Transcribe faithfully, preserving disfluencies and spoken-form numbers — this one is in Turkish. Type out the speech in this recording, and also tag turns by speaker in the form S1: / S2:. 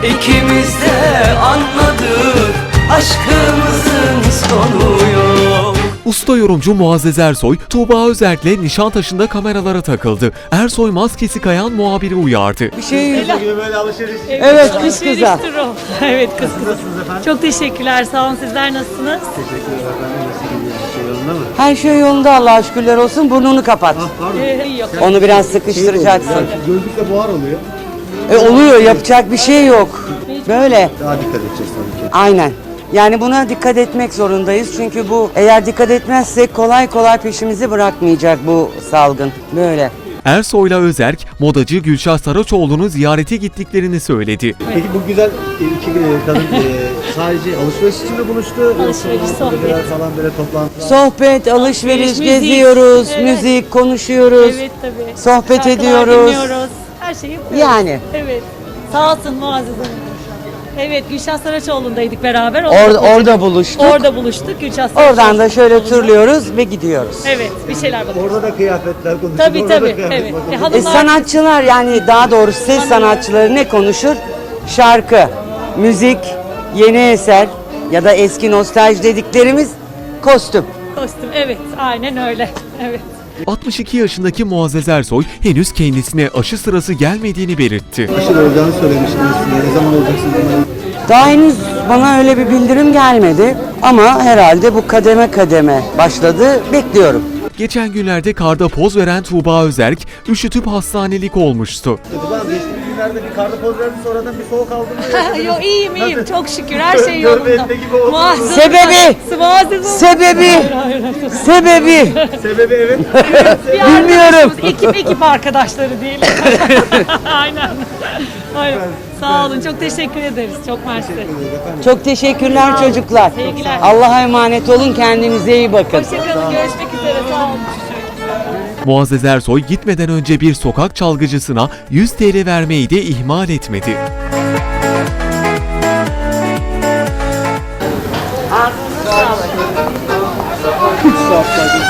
S1: İkimiz de anladık, aşkımızın sonu yok.
S2: Usta yorumcu Muazzez Ersoy, Tuğba Özerk'le Nişantaşı'nda kameralara takıldı. Ersoy maskesi kayan muhabiri uyardı.
S3: Bir şey
S4: Gibi böyle alışveriş.
S3: Evet, kız kıza.
S5: Alışveriştir o. Evet, kız kıza. Çok teşekkürler. Sağ olun. Sizler nasılsınız?
S4: Teşekkür ederim efendim. Nasıl gidiyor? Bir şey yolunda mı?
S3: Her şey yolunda, Allah'a şükürler olsun. Burnunu kapat.
S5: Ee, yok.
S3: Onu biraz sıkıştıracaksın.
S4: Yani gözlükle buhar oluyor.
S3: E, oluyor, yapacak bir şey yok. Böyle.
S4: Daha dikkat edeceğiz tabii ki.
S3: Aynen. Yani buna dikkat etmek zorundayız. Çünkü bu eğer dikkat etmezsek kolay kolay peşimizi bırakmayacak bu salgın. Böyle.
S2: Ersoy'la Özerk, modacı Gülşah Saraçoğlu'nu ziyarete gittiklerini söyledi.
S4: Peki bu güzel iki e, kadın e, sadece alışveriş için mi buluştu?
S5: Alışveriş,
S4: Yoksa
S5: sohbet.
S4: beraber falan böyle toplantı.
S3: Sohbet, alışveriş,
S5: Müzik.
S3: geziyoruz,
S5: Evet.
S3: müzik, konuşuyoruz.
S5: Evet tabii.
S3: Sohbet
S5: Şarkılar
S3: ediyoruz.
S5: dinliyoruz. Her şeyi yapıyoruz.
S3: Yani.
S5: Evet. Sağ olsun Muazzez Hanım. Evet, Gülşah Saraçoğlu'ndaydık beraber. Onu
S3: Orada,
S5: da-
S3: orada buluştuk.
S5: Orada buluştuk. Gülşah
S3: Oradan da şöyle
S5: Saraçoğlu'nda.
S3: turluyoruz ve gidiyoruz.
S5: Evet, bir şeyler bakıyoruz.
S4: Orada da kıyafetler konuşuldu.
S5: Tabii,
S4: orada da
S5: tabii,
S4: kıyafet
S5: evet.
S4: bakıldı.
S5: E,
S3: E,
S5: hanımlar-
S3: sanatçılar yani daha doğrusu ses sanatçıları ne konuşur? Şarkı, müzik, yeni eser ya da eski nostalji dediklerimiz kostüm.
S5: Kostüm, evet. Aynen öyle. Evet.
S2: altmış iki yaşındaki Muazzez Ersoy henüz kendisine aşı sırası gelmediğini belirtti.
S4: Aşı olacağını söylemiştiniz. Ne zaman olacaksınız?
S3: Daha henüz bana öyle bir bildirim gelmedi ama herhalde bu kademe kademe başladı. Bekliyorum.
S2: Geçen günlerde karda poz veren Tuğba Özerk, üşütüp hastanelik olmuştu.
S4: Ben geçtiğimiz günlerde bir karda poz verdi, sonradan bir soğuk aldım.
S5: Yo, iyiyim iyiyim. Çok şükür. Her şey
S4: Görme
S5: yolunda.
S4: etme gibi oldu.
S5: Muazzez
S3: Sebebi?
S5: Muazzez Hanım.
S3: Sebebi, sebebi.
S4: Sebebi evet.
S5: Bir
S3: Bilmiyorum.
S5: arkadaşımız, Ekip ekip arkadaşları değil. Aynen. Aynen. Sağ olun. Çok teşekkür ederiz. Çok mersi.
S3: Çok teşekkürler çocuklar.
S5: Sevgiler.
S3: Allah'a emanet olun, kendinize iyi bakın.
S5: Hoşçakalın. Görüşmek üzere. Sağ olun.
S2: Muazzez Ersoy gitmeden önce bir sokak çalgıcısına yüz TL vermeyi de ihmal etmedi.
S4: üç saat